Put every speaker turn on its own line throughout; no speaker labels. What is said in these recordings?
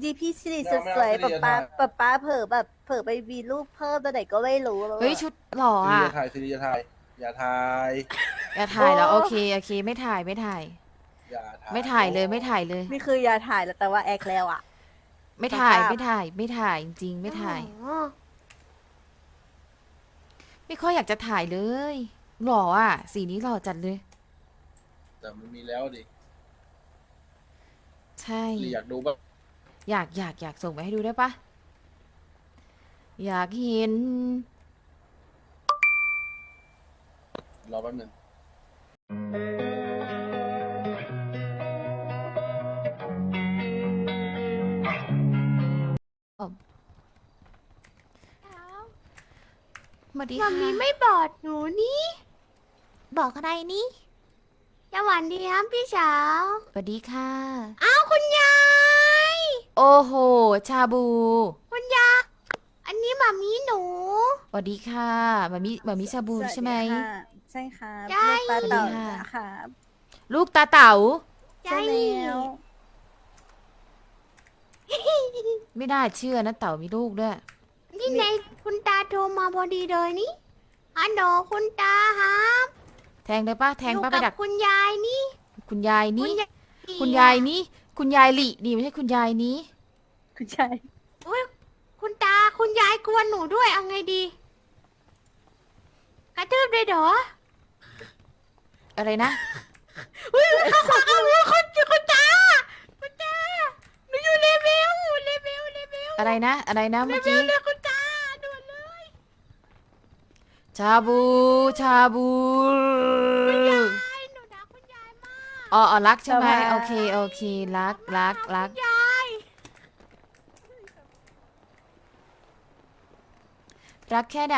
ดีพี่สิริ
ไม่เอาไม่เอา
สวยๆ
สิริจะถ่าย
ป๊าเผลอแบบเผลอไปมีลูกเพิ่มตอนไหนก็ไม่รู้แล้ว
เฮ้ย
อะ
ชุดหล่อ
สิริ
อ่ะ
จะถ่ายสิริจะถ่ายอย่าถ่าย
อย่า
โอ้
ถ่ายแล้วโอเคโอเคไม่ถ่ายไม่ถ่าย
อย่าถ่า
ไม่
ย
ถ่ายเลยไม่ถ่ายเลย
นี่คืออย่าถ่ายแล้วแต่ว่าแอคแล้วอะ
ไม่ถ่าย
สภาพ
ไม่ถ่ายไม่ถ่ายจริงๆไม่ถ่าย ไม่ค่อยอยากจะถ่ายเลย หล่ออ่ะสีนี้หล่อจัดเลย
แต่มันมีแล้วดิ
ใช่
สิริอยากดูบ้าง
อยากส่งไปให้ดูได้ปะอยากเห็น
รอแป๊บหนึง
สวัสดี
มั
ค่ะ
มมี่ไม่บอกหนูนี่
บอกอะไรนี่
สวัสดีครับพี่สาว
สวัสดีค่ะ
อ้าวคุณยาย
โอ้โห ชาบู
คุณยายอันนี้มัมมี่หนู
สวัสดีค่ะมามิชาบูใช่ไหม
สวัสดีค่ะใช่ค่ะ
ใช่
ลูกปลาเต่า
สวัสดีค่ะ
ค่ะ
ลูกตาเต๋า
ใช่แล้ว
ไม่ได้เชื่อนะเต๋ามีลูกด้วย
นี่ในคุณตาโทรมาพอดีเลยนี่ฮัลโหลคุณตาครับ
แทงเลยปะแทง
อยู่
ปะไป
กั
ดั
บ
ก
คุณยายนี่
คุณยาย
คุณ
นี่
ยาย
คุณยายนี่คุณยายหลีนี่ไม่ใช่คุณยายนี้
คุณชาย
อุ๊ยคุณตาคุณยายกวนหนูด้วยเอาไงดี กระทืบเลยเหรอ
อะไรนะ
เฮ้ยเขาขอเอาคุณตาคุณตาหนูอยู่เลเวล
อะไรนะเมื่อกี้
เรียกคุณตาด่วนเลย
ชาบูชาบู
หนูรักคุณยายมาก
อ๋อรักใช่ไหมโอเครัก
ยาย
รักแค่ไหน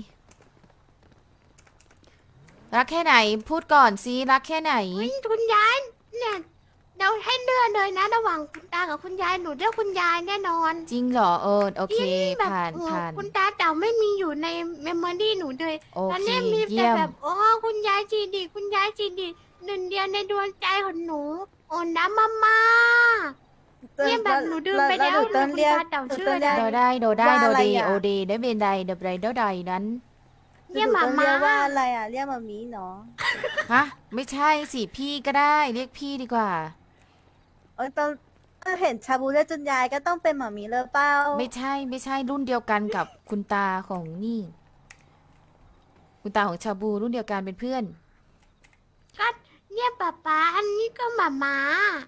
รักแค่ไหน พูดก่อนสิรักแค่ไหน
คุณยายเนี่ยเราให้เลือกเลยนะระหว่างคุณตากับคุณยายหนูเลือกคุณยายแน่นอน
จริงเหรอโอเค
แบบ
ผ่าน
โอ้
ผ่าน
คุณตาเต่าไม่มีอยู่ในเมมโมรี่หนูเลย
โอ
ตอน
เค
นี้มี
เยี่
แต่
ยม
แบบโอ้คุณยายจีดีคุณยายจีดีหนึ่งเดียวในดวงใจของหนูโอนน้ำมาเนี่ยแบบหนูดื่มไปแล้ว
หนูต้นเรียก
คุณตาเต่า
หนู
ชื่อ
ต้น
อะไร
เรียก
โดได้
ว่า
โด
อะไร
ดี
อะ
โอดีได้เป็นใดเดบไรเดาใดนั้น
เนี่ย
หนู
หมา
ต้อง
มา
เรียกว่าอะไรอ่ะเรียกมามีเนาะ
ฮะไม่ใช่สิพี่ก็ได้เรียกพี่ดีกว่า
ต้องเห็นชาบูเรียกจนยายก็ต้องเป็นหมามีเลยเปล่า
ไม่ใช่รุ่นเดียวกันกับคุณตาของนี่ คุณตาของชาบูรุ่นเดียวกันเป็นเพื่อน
ก็เนี่ยป๊าอันนี้ก็หมามา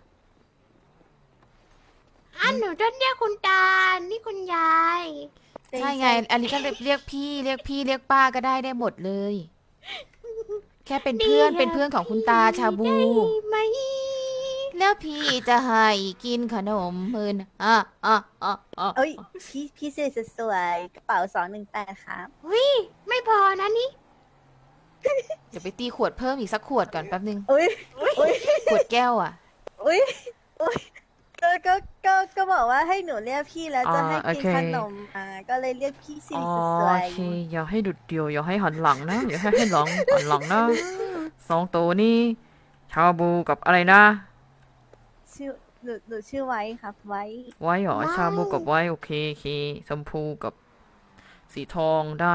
อันหนูต้องเรียกคุณตานี่คุณยาย
ใช่ไง อันนี้ก็เรียกพี่เรียกป้าก็ได้หมดเลย แค่เป็นเพื่อนเป็นเพื่อนของคุณตาชาบู
ได้ไหม
แล้วพี่จะให้กินขนมมืนอ่ะ
เอ้ยพี่สิริสวยๆกระเป๋า218ครับ
วิไม่พอนะนี่
เดี๋ยวไปตีขวดเพิ่มอีกสักขวดก่อนแป๊บนึง
อุ้ยอุ้ย
ขวดแก้วอ่ะ
อุ้ยอุ้ยก็บอกว่าให้หนูเรียกพี่แล้วจะให้กินขนมก็เลยเรียกพี่สิริสวย
อย่าให้ดุดเดียว อย่าให้หันหลังนะ อย่าให้หลังหันหลังนะสองตัวนี้ชาบูกับอะไรนะ
ๆชื่อหนูชื่อไว้ครับไว้
ไว้เหรอชาบูกับไว้โอเคชมพูกับสีทองได้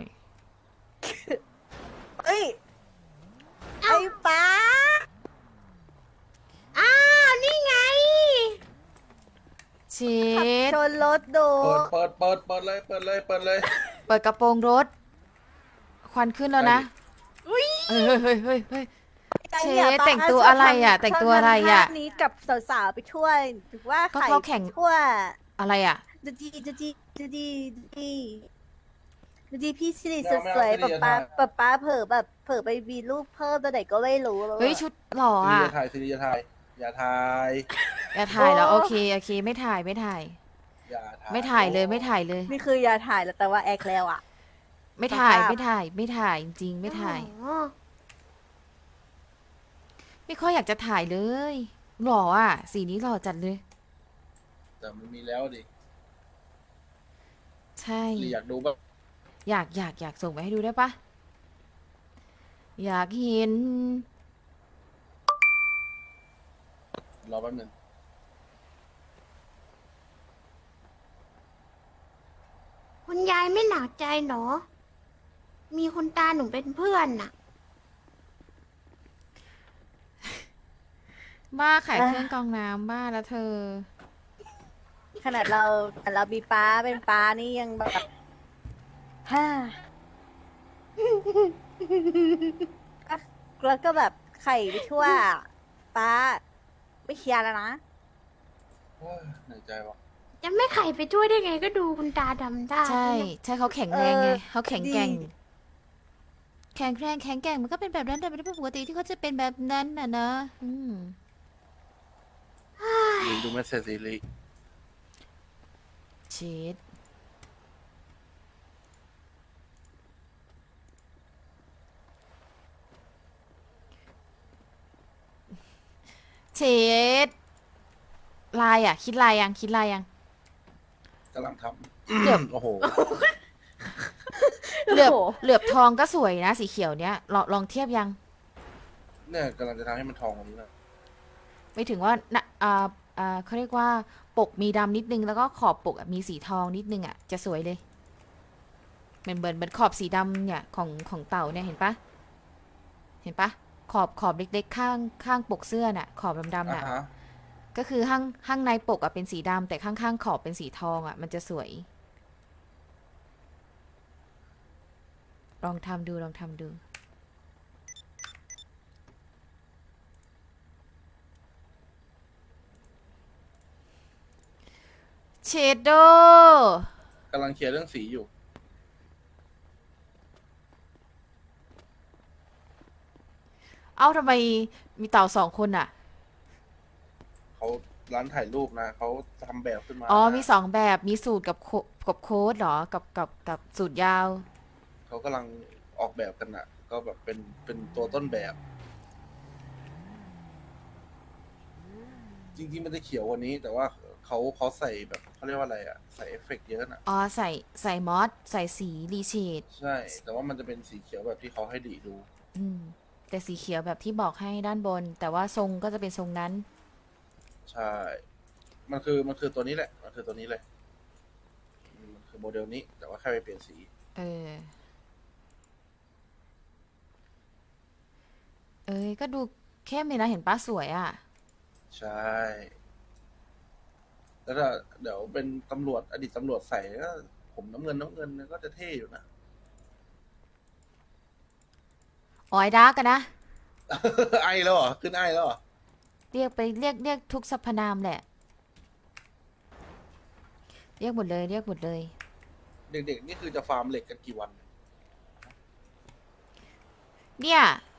เอ้ยไอ้ป้า
อ้าวนี่ไง
เช็
ขับ
ด
ชนรถดู
เปิดเลยเปิดเลย
เปิดกระโปรงรถ ควันขึ้นแล้วนะเฮ้ย เชฟแต่งตัวอะไรอ่ะแต่งตัวอะไรอ่ะ
ชบทำภาพนี้กับสาวๆไปทั่วถือว่า
ก็
ใคร
เขาแข่ง
ทั่ว
อะไรอ่ะ
ดูดีพี่สิริ
ไม่
สวย
เอา
ๆ
ไม่เอาสิริจะถ่าย
ป๊าเผลอแบบเผลอไปมีลูกเพิ่มตอนไหนก็ไม่รู้แล้ว
เฮ้ย
อะ
ชุดหล่อ
สิริ
อ่ะ
จะถ่ายสิริจะถ่ายอย่าถ่าย
อย่าถ่ายแล้วโอเคไม่ถ่าย
อย่าถ่าย
ไม่ถ่ายเลยไม่ถ่ายเลย
นี่คืออย่าถ่ายแล้วแต่ว่าแอคแล้วอ่ะ
ไม่ถ่าย
สภาพ
ไม่ถ่ายจริงๆไม่ถ่าย
อ๋อ
ไม่ค่อยอยากจะถ่ายเลย หล่ออ่ะ สีนี้หล่อจัดเลย
แต่มันมีแล้วดิ
ใช่
สิริอยากดูบ้าง
อยากส่งไปให้ดูได้ปะอยากเห็น
รอแป๊บหนึง
ายไม่หนักใจเหรอ มีคุณตาหนูเป็นเพื่อนน่ะ
บ้าขายเครื่องกรองน้ำบ้าแล้วเธอ
ขนาดเรามีป้าเป็นป้านี่ยังแบบ ฮ่าแล้วก็แบบไข่ไปทั่ว ป้าไม่เคลียร์แล้วนะ
โอ้ยเหนื่อยใจว่ะ
จะไม่ไข่ไปช่วยได้ไงก็ดูคุณตาดำได้
ใช่ใช่เขาแข็งแรงไง
เออ
เขาแข็งแกร่ง
ดี
แข็งแรงแข็งแกร่งมันก็เป็นแบบนั้นแต่ไม่ได้เป็นปกติที่เขาจะเป็นแบบนั้นน่ะนะม
ลืมดูเมสเซจซีรีส์
ชีสชีสลายอ่ะ คิดลายยังคิดลายยัง
กำลังท
เดี๋ยว
ำ โอ้โห
เหลือบ
โอ้โห
เหลือบทองก็สวยนะสีเขียวเนี้ยลองเทียบยัง
เนี่ยกำลังจะทำให้มันทองกว่านี้นะ
ไม่ถึงว่านะเขาเรียกว่าปกมีดำนิดนึงแล้วก็ขอบปกอะมีสีทองนิดนึงอ่ะจะสวยเลยเหมือนขอบสีดำเนี่ยของเต่าเนี่ยเห็นปะเห็นปะขอบเล็กๆข้างปกเสื้อน่ะ ขอบดำๆ
อ่ะ
น่ะ
ฮะ
ก็คือข้างในปกอ่ะเป็นสีดำแต่ข้างๆขอบเป็นสีทองอ่ะมันจะสวย ลองทำดูเชดโด
กำลังเคลียร์เรื่องสีอยู่
เอ้าทำไมมีเต่าสองคนอ่ะ
เขาร้านถ่ายรูปนะ เขาทำแบบขึ้นมา
อ๋อ
นะ
มีสองแบบมีสูตรกับโค้ดเหรอกับสูตรยาว
เขากำลังออกแบบกันน่ะ ก็แบบเป็นตัวต้นแบบ จริงๆมันจะเขียวกว่านี้ แต่ว่าเขาใส่แบบเขาเรียกว่าอะไรอ่ะ ใส่เอฟเฟกต์เยอะน่ะ
อ๋อใส่มอสใส่สีรีเชด
ใช่ แต่ว่ามันจะเป็นสีเขียวแบบที่เขาให้ดีดู
แต่สีเขียวแบบที่บอกให้ด้านบน แต่ว่าทรงก็จะเป็นทรงนั้น
ใช่ มันคือตัวนี้แหละ มันคือตัวนี้เลยมันคือโมเดลนี้ แต่ว่าแค่ไปเปลี่ยนสี
ก็ดูเข้มเลยนะเห็นป้าสวยอ่ะ
ใช่ แล้วถ้าเดี๋ยวเป็นตำรวจอดีตตำรวจใส่ก็ผมน้ำเงินก็จะเท่อยู่นะ
อ๋อไอ้ดาร์กกันนะ
ไอแล้วเหรอ ขึ้นไอแล้วเหรอ
เรียกทุกสรรพนามแหละ เรียกหมดเลย
เด็กๆนี่คือจะฟาร์มเหล็กกันกี่วัน
เนี่ย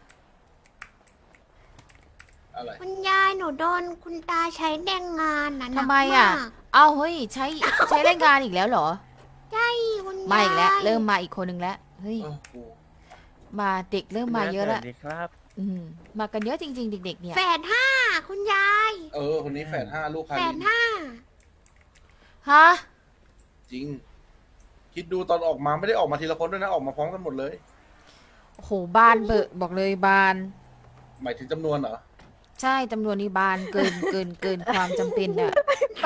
อะไร
คุณยายหนูโดนคุณตาใช้แรงงานน่ะหนั
ทำ
ก
ไมอ่ะ
มาก
เอาเฮ้ยใช้แรงงานอีกแล้วเหรอ
ใช่คุณยาย
มาอีกแล้ว เริ่มมาอีกคนนึงแล้ว เฮ้ย
เออกู
มาเด็กเริ่มมาเยอะแล้ว
สวัสดีครับ
มากันเยอะจริงๆ เด็กๆเนี่ย
แฝดห้าคุณยาย
คนนี้แฝด5 ลูกคา
แฝ
ริ
ด
น
ห้า
ฮะ
จริง คิดดูตอนออกมาไม่ได้ออกมาทีละคนด้วยนะ ออกมาพร้อมกันหมดเลย
โอ้โหบานเบอะบอกเลยบาน
หมายถึงจำนวนเหรอ
ใช่จำนวนนี้บานเกินความจำเป็นอ่ะ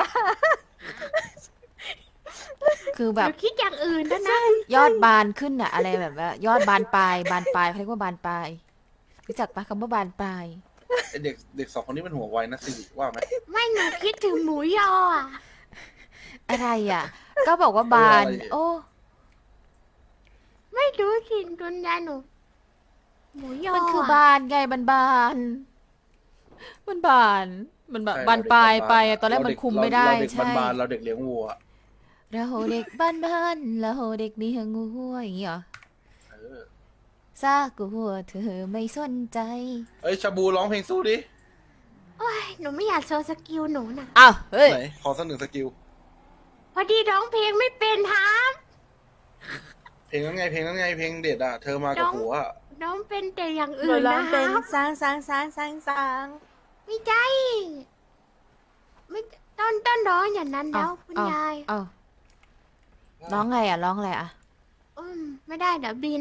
คือแบ
ห
บ
นูคิดอย่างอื่นแล้วนะ
ยอดบานขึ้นอะอะไรแบบว่ายอดบานปลายเขาเรียกว่าบานปลายรู้จักปะคำว่าบานปลาย
ไอเด็กสองคนนี้มันหัวไวนะสิว่าไหม
ไม่หนูคิดถึงหมูยออ่ะ
อะไรอ่ะ ก็บอกว่าบาน
อะไร
โอ้
ไม่รู้สิคุณยายหนู หมูยอ
มันคือ
อะ
บานไงมันบานมันบานมันแบบ
ใช่
บานปลายไป
เร
อะตอนแรกมัน
เด็
คุมไม่ได้
เราเด็ก
ใช่
บานๆเราเด็กเลี้ยงวัว
เราเด็กบ้านเราเด็กเลี้ยงวัวอย่างงี้เหรอ
เออ
ซากลัวเธอไม่สนใจ
เอ้ยชาบูร้องเพลงสู้ดิ
โอ้ยหนูไม่อยากโชว์สกิลหนูน่ะ
อ้าวเฮ้ย
ไหน ขอสักหนึ่งสกิล
พอดีร้องเพลงไม่เป็นครับ
เพลงนั้นไง เพลงเด็ดอ่ะ เธอมากับหัวอะ
ร้องเป็นแต่อย่าง
หนู
อื่น
ร้อง
นะค
เป็น
รับ
สร้าง
ไม่ใช่ไม่ต้นร้องอย่างนั้นแล้วคุณยาย
เอ้าร้องไงอ่ะร้องอะไรอ่ะ
ไม่ได้เดี๋ยวบิน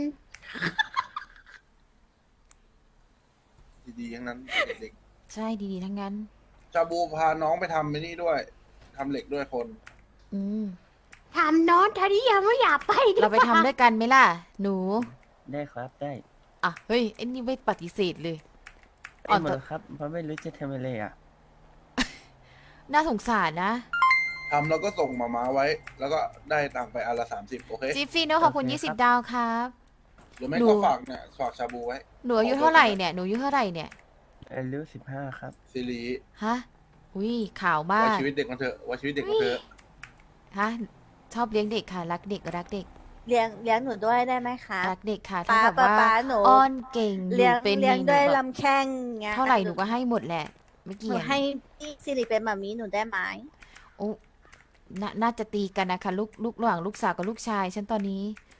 ดีๆทั้งนั้นเด็ก
ใช่ดีๆทั้งนั้น
ๆชาบูพาน้องไปทำไอ้นี่ด้วยทำเหล็กด้วยคน
อืม
ถามน้องทาริยาว่าอยากไปหรือ
เรา
เป
ไป
ล่า
ทำด้วยกันไหมล่ะ หนู
ได้ครับได้
อ่ะ เฮ้ยไอ้นี่ไม่ปฏิเสธเลย
ไอ้หมดครับเพราะไม่รู้จะทำอะไรอ่ะ
น่าสงสารนะ
ทำแล้วก็ส่งมาม้าไว้ แล้วก็ได้ตังค์ไปอันละ30โอเค
จิฟฟี่โนขอบคุณ
โอเคครับ
20 ดาวครับ
หรือไม่
หนู
ก็ฝากเนี่ยฝากชาบูไว้
หนูอายุเท่าไหร่เนี่ย หนูอายุเท่าไหร่เนี่ย
อายุ15 ครับ
ซีรีส์
ฮะ อุ้ยข่าวมา
ไว้
ก
ชีวิตเด็กมันเถอะไว้ชีวิตเด็กมันเถอะ
ฮะ ชอบเลี้ยงเด็กค่ะ รักเด็กรักเด็ก
เลี้ยงหนูด้วยได้ไหมคะ
รักเด็กค่ะ ถ้า
ป๊า
แบบว่า
ป๊าหนู
อ้อนเก่งหนู
เลี้ยง
เป็น
เลี้ยง
หนู
ด้วย
แบบ
ลำแข้งเงี้ย
เท่าไหร่หนูก็ให้หมดแหละ ไม่
ห
เกี่
นู
ยง
ให้พี่สิริเป็นแบบนี้หนูได้ไหม
โอ้น่าจะตีกันนะคะลูกระหว่างลูกสาวกับลูกชาย ฉันตอนนี้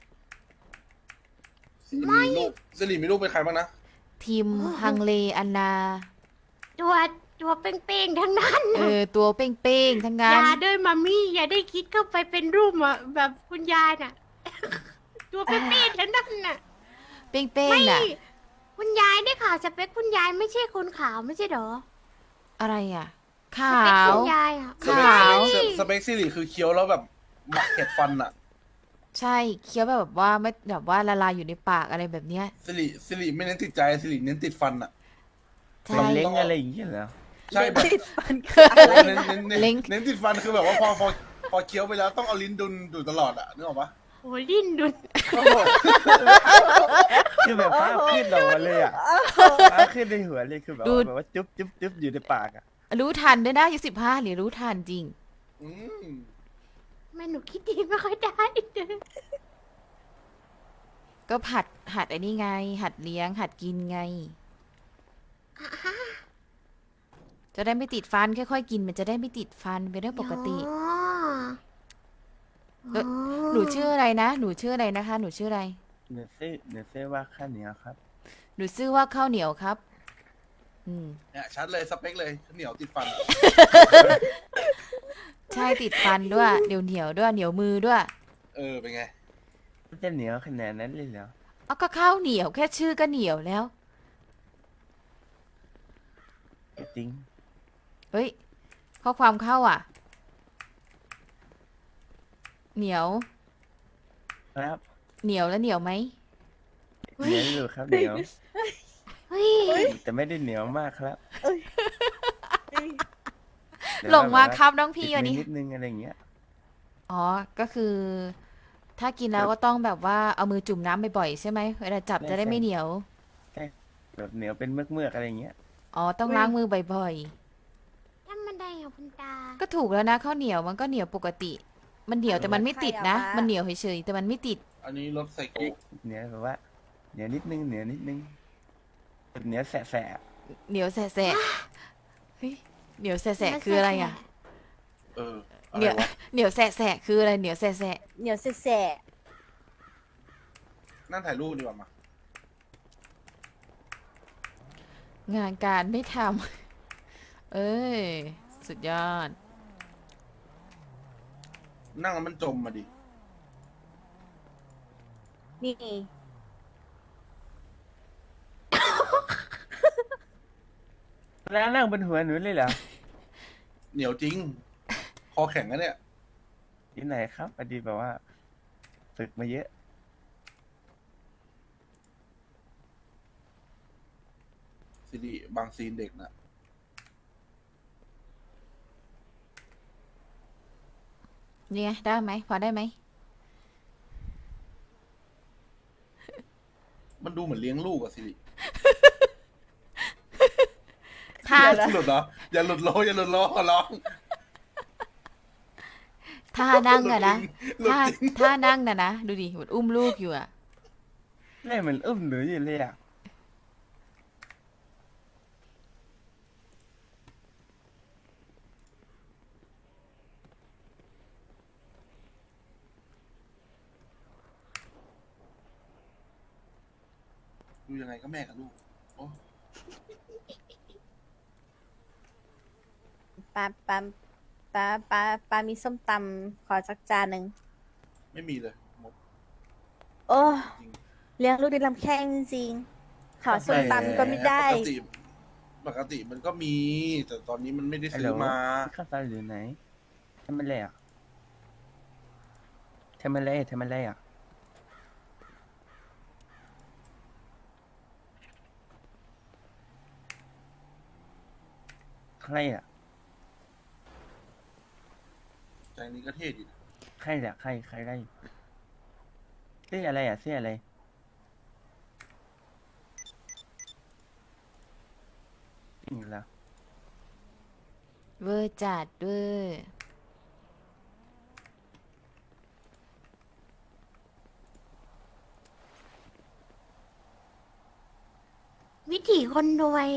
ซีรีส์มีลูกเป็นใครบ้างนะ
ทีมฮังเลอันนา
ตัวเป้งๆทั้งนั้น
ตัวเป้งๆทั้ง
อ
นั้น
ย่าด้วยมามี่อย่าได้คิดเข้าไปเป็นรูปอะแบบคุณยายน่ะ ตัวเป้งๆทั้งนั้นน่ะ
เป้ง
ไม่
ๆน่ะ
คุณยายได้ข่าวสเปคคุณยายไม่ใช่คนขาวไม่ใช่เหรอ
อะไรอ่ะ
ส
ขา
เปคว คุณยายอะ
สเปค
ขาว
สเปคซีรีส์คือเคี้ยวแล้วแบบหมักเห็ดฟันอะ
ใช่เคี้ยวแบบว่าไม่แบบว่าละลายอยู่ในปากอะไรแบบเนี้ย
ซีรีส์ไม่เน้นติดใจซีรีส์เน้นติดฟันอะ
ใช่
เล้งอะไรอย่างเงี้ยเหรอ
ใช่แบบ
ติดฟันคืออะไร
เน้น
นะ
เน้น
เล้ง
เน้นติดฟันคือแบบว่าพอเคี้ยวไปแล้วต้องเอาลิ้นดุนดูตลอดอะนึกออกปะ
โอ้ลิ้นดุน
คือแบบฟ้าขึ้นออกมาเลยอ่ะฟ้าขึ้นในหัวเลยคือแบบว่าจุ๊บจุ๊บจุ๊บอยู่ในปากอ่ะ
รู้ทันด้วยนะอายุ15หรือรู้ทันจริง
อืม
ไม่หนูคิดดีไม่ค่อยได้เลย
ก็หัดไอ้นี่ไง หัดเลี้ยง หัดกินไง จะได้ไม่ติดฟันค่อยๆกินมันจะได้ไม่ติดฟันเป็นเรื่องปกติ
อ๋อ
เอ้ย หนูชื่ออะไรนะ หนูชื่ออะไรนะคะ หนูชื่ออะไร
เนื้อเส้ว่าข้าวเหนียวครับ
หนูชื่อว่าข้าวเหนียวครับ อืม
เนี่ยชัดเลยสเปคเลยเหนียวติดฟัน
ใช่ติดฟันด้วยเหนียวด้วยเหนียวมือด้วย
เป็นไง
มันจะเหนียวขนาดนั้นเลยเหรอ
เอาก็ข้าวเหนียวแค่ชื่อก็เหนียวแล้ว
จริง
เฮ้ย ข้อความเข้าอ่ะ เหนียว
ครับ
เหนียวแล้วเหนียวไหม
เหนียวอยู่ครับเหนียว
เฮ้ย
แต่ไม่ได้เหนียวมากครับแต่
หล
ว่
งมา
แบบ
ครับน้องพี่
ติด
วันนี้
นิดนึงอะไรอย่างเงี้ย
อ๋อ ก็คือ ถ้ากินแล้วก็ต้องแบบว่าเอามือจุ่มน้ำบ่อยๆใช่ไหมเวลาจับจะได้ไม่เหนียว
แบบเหนียวเป็นเมือกๆอะไรอย่างเงี้ย
อ๋อ ต้องล้างมือบ่อย
ทำมันได้เหรอคุณตา
ๆ ก็ถูกแล้วนะข้าวเหนียวมันก็เหนียวปกติ มันเหนียวแต่มันไม่ติดนะ มันเหนียวเฉยๆแต่มันไม่ติด
อันนี้รถไซโค
เหนียวแบบว่าเหนียวนิดนึงเหนียวนิดนึงแบบเหนียวแสะ
เหนียวแสะๆเฮ้ยเหนียวแสะๆคืออะไรอ่ะ
อะ
เห
ไร
นียว
วะ
เหนียวแสะๆคืออะไรเหนียวแสะ
เหนียวแสะ
นั่งถ่ายรูปดีกว่ามา
ๆงานการไม่ทำ เอ้ย สุดยอด
นั่งแล้วมันจมมาดิ
ๆนี่
ๆแล้วนั่งบนหัวหนูเลยเหรอ
เหนียวจริง คอแข็งนะเนี่ย
ที่ไหนครับพอดีแบบว่าฝึกมาเยอะ
ซีรีส์บางซีนเด็กนะ
นี่ไงได้ไหมพอได้ไหม
มันดูเหมือนเลี้ยงลูกอะซีรีส์
ท่า
อย่าหลุดเหรออย่าหลุดโลอย่าหลุดโลขอร้อง
ท่านั่งอะนะ
หลุด
ท่า
จริง
ท่านั่งนะดูดิเหมือนอุ้มลูกอยู่อะ
แม่เหมือนอุ้มหนูอยู่เลยอ่ะ
ดูยังไงก็แม่กับลูกโอ้
ปลามีส้มตำขอสักจานหนึ่ง
ไม่มีเลยหมด
โอ้
จริง
เลี้ยงลูกด้วยลำแข้งจริงๆขอส้มตำก็ไม่ได้
ปกติมันก็มี แต่ตอนนี้มันไม่ได้
ฮัล
ซื้
โหล
อมา
ข้าวซอยอยู่ไหนทำไมเลยอ่ะทำอะไรทำอะไรอ่ะใครอ่ะ
ใจนี้ก็เท่ดีนะ
ใครอ่ะใครได้เสื้ออะไรอ่ะเสื้ออะไรจริงเหรอ
เวอร์จัดเวอร์
วิถีคนรวย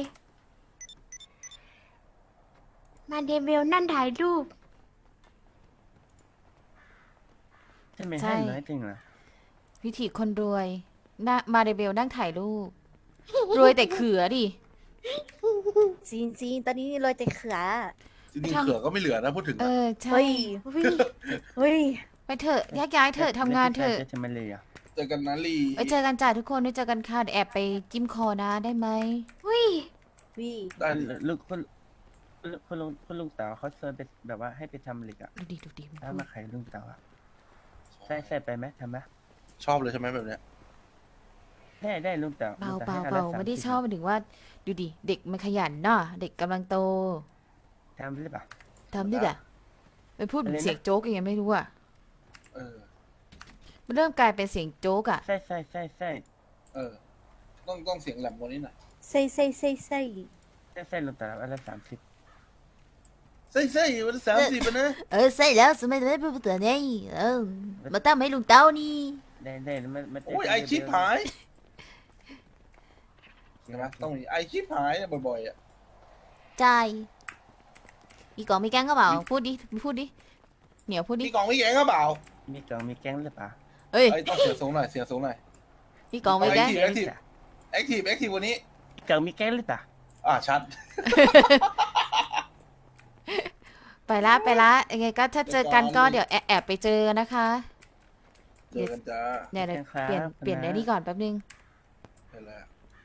มาเดบิวต์นั่นถ่ายรูป
ใช่ไหมให้น้อยจริงเหรอ
วิถีคนรวยน่ามาเดเบลนั่งถ่ายรูป รวยแต่เขือดิ
จริงๆตอนนี้โรยแต่เขือ
จริงๆเขือก็ไม่เหลือนะพูดถึง
เอ
อะ
อ ใช่
เฮ้ย เฮ้ย
ไปเถอะแยกย้ายเถอะทำงานเถอะ
จะทำอะไรอ่ะ
เจอกันนะลี
ไปเจอกันจ้าทุกคนไปเจอกันค่ะเดี๋ยวแอบไปจิ้มคอนะได้ไหม
อุ้ย
วิ
ได้ดิ
ลูกคุณลุงเต๋าเขาเชิญไปแบบว่าให้ไปทำเหล็กอ่ะ
ดูดิมัน
ถ้า
พู
มา
ด
ขายลุงเต๋าอ่ะใส่ไปไหมทำไหม
ชอบเลยใช่ไหมแบบเนี้ย
ได้ลุงเต๋า
เบา
ลุง
เบา
ให้
เบา
อันละ
ไม่ได้
30
ชอบหมายถึงว่า ดูดิ เด็กมันขยันเนาะเด็กกำลังโต
ทำหรือเปล่า
ทำด้วยอ่ะไปพูดเหมือน
อะไรนะ
เสียงโจ๊กยังไงไม่รู้อ่ะ
เออ
มันเริ่มกลายเป็นเสียงโจ๊กอ่ะ
ใส่
เออ ต้องเสียงแหลมกว่านี้หน่อย
ใส่ใส่ใส่ใส่
ลุงเต๋าอันละ30
ใส่วันละ30ปะนะ
ใส่แล้วสมัยนั้นเป็นตัวนี้มาตั้งให้ลุงเต้านี่
ได้มา
โอ้ยไอชิปหายใช่ไหมต้องมีไอชิปหายเนี่ยบ่อยๆอ่ะ
ใจมีกล่องมีแกงก็เปล่าพูดดิเหนียวพูดดิ
มีกล่องมีแกงก็เปล่า
มีกล่องมีแก๊งหรือเปล่า
เอ้ย
ไอยต้องเสียงสูงหน่อยเสียงสูงหน่อย
มีกล่องมีแกง
แอคทีฟวันนี้
กล่องมีแก๊งหรือเปล่า
ชัด
ไปละยังไงก็ถ้าเจอกันก็เดี๋ยวแอบไปเจอนะคะ
เจอกันจ้า
เนี่ยเดี๋ยวเปลี่ยนในนี้ก่อนแป๊บนึง
ไปแล้ว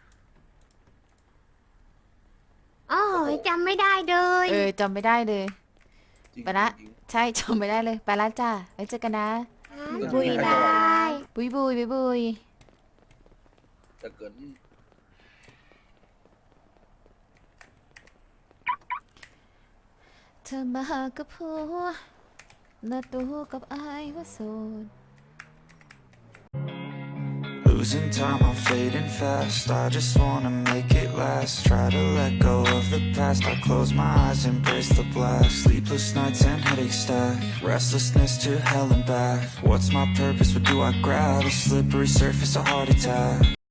อ๋อจำไม่ได้เลย
จำไม่ได้เลย
จริง
ไปละ ใช่จำไม่ได้เลยไปละจ้าไว้เจอกันนะ
บุยบาย
บุยบุย
จะเกิน
เธอมากับผัวและตัวกับไอ้ว่าโสด
Losing time, I'm fading fast. I just wanna make it last. Try to let go of the past. I close my eyes, embrace the blast. Sleepless nights and headaches stack. Restlessness to hell and back. What's my purpose? What do I grab? A slippery surface, a heart attack.